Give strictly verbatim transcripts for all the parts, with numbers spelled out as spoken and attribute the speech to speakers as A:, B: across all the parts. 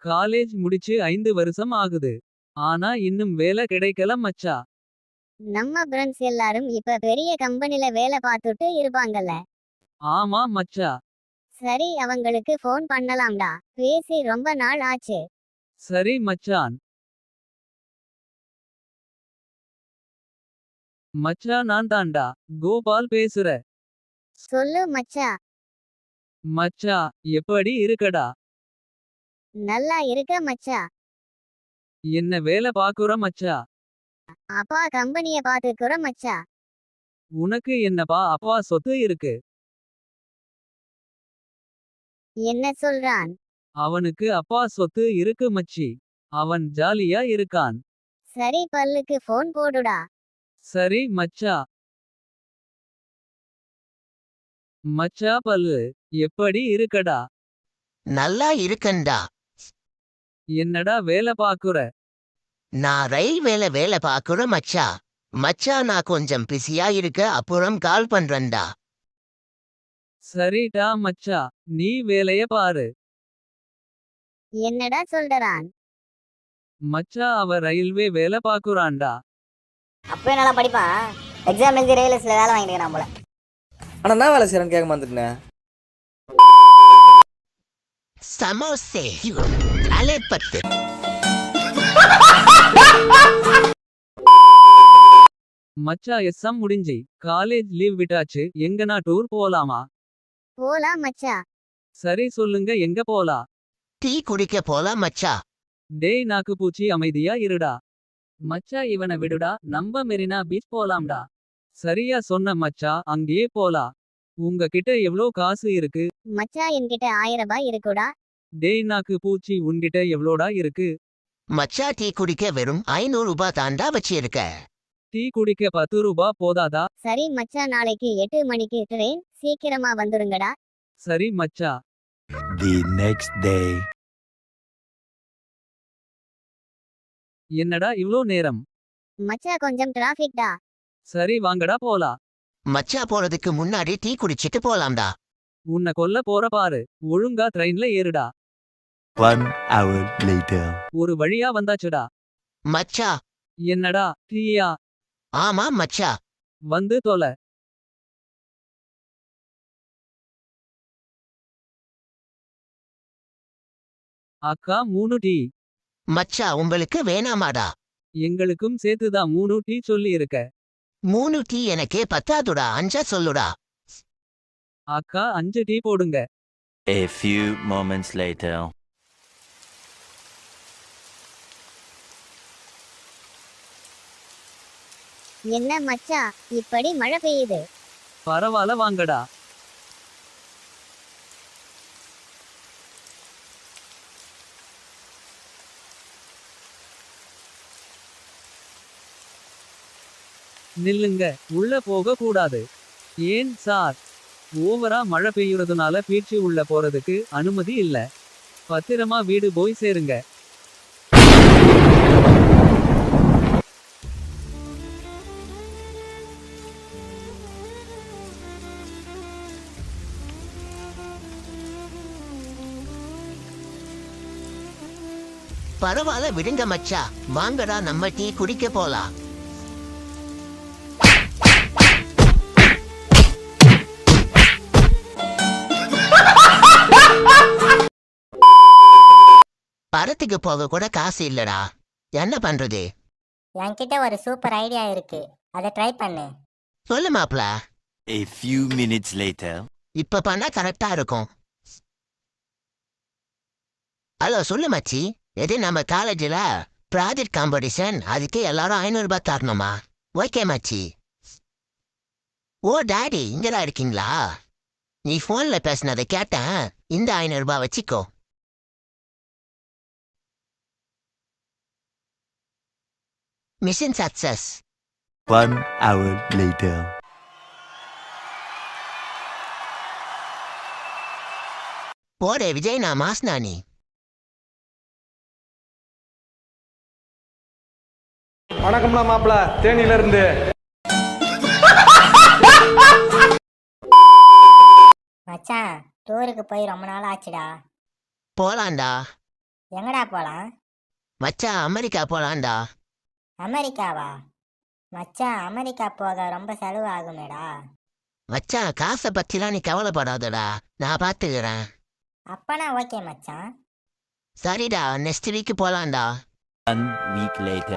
A: College முடிச்சு ஐந்து வருஷம் ஆகுது. ஆனா இன்னும் வேலை கிடைக்கல மச்சா.
B: நம்ம ஃப்ரெண்ட்ஸ் எல்லாரும் இப்ப பெரிய கம்பெனில வேலை பார்த்துட்டு இருப்பாங்கல்ல.
A: ஆமா மச்சா.
B: சரி அவங்களுக்கு ஃபோன் பண்ணலாம்டா. பேசி ரொம்ப நாள் ஆச்சு.
A: சரி மச்சான். மச்சா நான் தான்டா கோபால் பேசுற.
B: சொல்லு மச்சா.
A: மச்சா எப்படி இருக்கடா?
B: நல்லா இருக்க மச்சா.
A: என்ன வேலை பாக்குற மச்சா?
B: அப்பா கம்பெனிய பாத்துக்குற மச்சா.
A: உனக்கு என்னப்பா அப்பா சொத்து இருக்கு?
B: என்ன சொல்றான்?
A: அவனுக்கு அப்பா சொத்து இருக்கு மச்சி. அவன் ஜாலியா இருக்கான்.
B: சரி பல்லுக்கு ஃபோன் போடுடா.
A: சரி மச்சா. மச்சா பல்லு எப்படி இருக்கடா?
C: நல்லா இருக்கண்டா.
A: என்னடா வேலை பாக்குற?
C: நான் ரயில்வேல வேலை பாக்குற மச்சா. மச்சா நான் கொஞ்சம் பிஸியா இருக்க அப்புறம் கால் பண்றேன்டா.
A: சரிடா மச்சா. நீ வேலைய பாரு.
B: என்னடா சொல்றான்?
A: மச்சா அவ ரயில்வே வேலை பாக்குறான்டா.
D: அப்பவே நல்லா படிப்பான். எக்ஸாம் எழுதி ரயில்வேஸ்ல வேலை வாங்கிக்கிறான் போல.
E: ஆனா என்ன வேலை செய்யறேன்னு கேட்க மாட்டேன்.
C: சமோசே அலைப்பத்து.
A: மச்சா எஸ்ஸாம் முடிஞ்சி காலேஜ் லீவ் விட்டாச்சு. எங்கனா டூர் போலாமா?
B: போலாம் மச்சா.
A: சரி சொல்லுங்க எங்க போலா?
C: டீ குடிக்க போலாம் மச்சா.
A: டேய் நாக்கு பூச்சி அமைதியா இருடா. மச்சா இவனை விடுடா. நம்ம மெரினா பீச் போலாம்டா. சரியா சொன்ன மச்சா அங்கேயே போலா. உங்க கிட்ட எவ்ளோ காசு இருக்கு?
B: மச்சா என்கிட்ட ஆயிரம் ரூபாய் இருக்குடா.
A: டேய் நாக்கு பூச்சி உன்கிட்ட எவ்ளோடா இருக்கு?
C: மச்சா டீ குடிக்க வெறும் ஐநூறு ரூபாய் தாண்டா வச்சிருக்க.
A: டீ குடிக்க பத்து ரூபா போதாதா?
B: சரி மச்சா நாளைக்கு எட்டு மணிக்கு ட்ரெயின். சீக்கிரமா வந்துருங்கடா.
A: சரி மச்சா.
F: The next day.
A: என்னடா இவ்ளோ நேரம்?
B: மச்சா கொஞ்சம் டிராஃபிக்டா.
A: சரி வாங்கடா போலா.
C: மச்சா போறதுக்கு முன்னாடி டீ குடிச்சிட்டு போலாம்டா.
A: உன்னை கொல்ல போற பாரு. ஒழுங்கா ட்ரெயின்ல ஏறுடா.
F: One hour later.
A: ஒரு வழியா வந்தாச்சுடா.
C: மச்சா.
A: என்னடா டீயா?
C: ஆமா மச்சா.
A: வந்து தொலை. அக்கா மூணு டீ.
C: மச்சா உங்களுக்கு வேணாமாடா?
A: எங்களுக்கும் சேர்த்துதான் மூணு டீ சொல்லி இருக்க.
C: மூணு டீ எனக்கே பத்தாதுடா. அஞ்சா சொல்லுடா.
A: அக்கா அஞ்சு டீ போடுங்க.
F: A few moments later.
B: என்ன மச்சா இப்படி மழை பெய்யுது?
A: பரவால வாங்கடா. நில்லுங்க. உள்ள போக கூடாது. ஏன் சார்? ஓவரா மழை பெய்யுறதுனால பீச்சு உள்ள போறதுக்கு அனுமதி இல்ல. பத்திரமா வீடு போய் சேருங்க.
C: பரவாயில்ல விடுங்க மச்சா. வாங்கடா நம்ம டீ குடிக்க போலாம். படத்துக்கு போக கூட காசு இல்லடா. என்ன பண்றது?
D: என்கிட்ட ஒரு சூப்பர் ஐடியா இருக்கு. அதை ட்ரை பண்ணு.
C: சொல்லு மாப்ள.
F: A few minutes later.
C: இப்ப பண்ணா கரெக்டா இருக்கும். ஹலோ சொல்லு மச்சி. எது நம்ம காலேஜில் ப்ராஜெக்ட் காம்படிஷன். அதுக்கு எல்லாரும் ஐநூறு ரூபாய் தரணுமா? ஓகே மச்சி. ஓ டாடி இங்கதான் இருக்கீங்களா? நீ போன்ல பேசினதை கேட்டேன். இந்த ஐநூறு ரூபாய் வச்சுக்கோ. Mission success.
F: One hour later.
C: போடே விஜய் நான் மாஸ்னானி.
E: வணக்கம்டா மாப்பிள தேனியில இருந்து.
D: மச்சான் டூருக்கு போய் ரொம்ப நாள் ஆச்சுடா.
C: போலாண்டா.
D: எங்கடா போலாம்?
C: மச்சான் அமெரிக்கா போலாம்டா.
D: அமெரிக்காவா? மச்சான் அமெரிக்கா போக ரொம்ப செலவு ஆகுமேடா.
C: மச்சான் காசை பத்திலாம் நீ கவலைப்படாதடா, நான் பார்த்துக்கிறேன்.
D: அப்பனா ஓகே மச்சான்.
C: சரிடா, நெக்ஸ்ட் வீக் போலாம்டா.
F: One week later.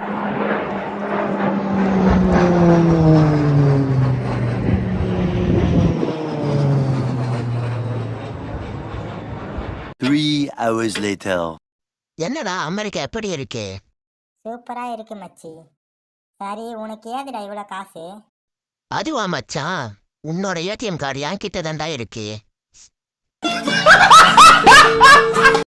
F: Three hours later.
C: என்னடா அமெரிக்கா எப்படி இருக்கு?
D: சூப்பரா இருக்கு மச்சி. சரி, உனக்கு ஏதுடா இவ்வளோ காசு?
C: அதுவா மச்சான், உன்னோட ஏடிஎம் கார்டு என் கிட்ட தான்டா இருக்கு.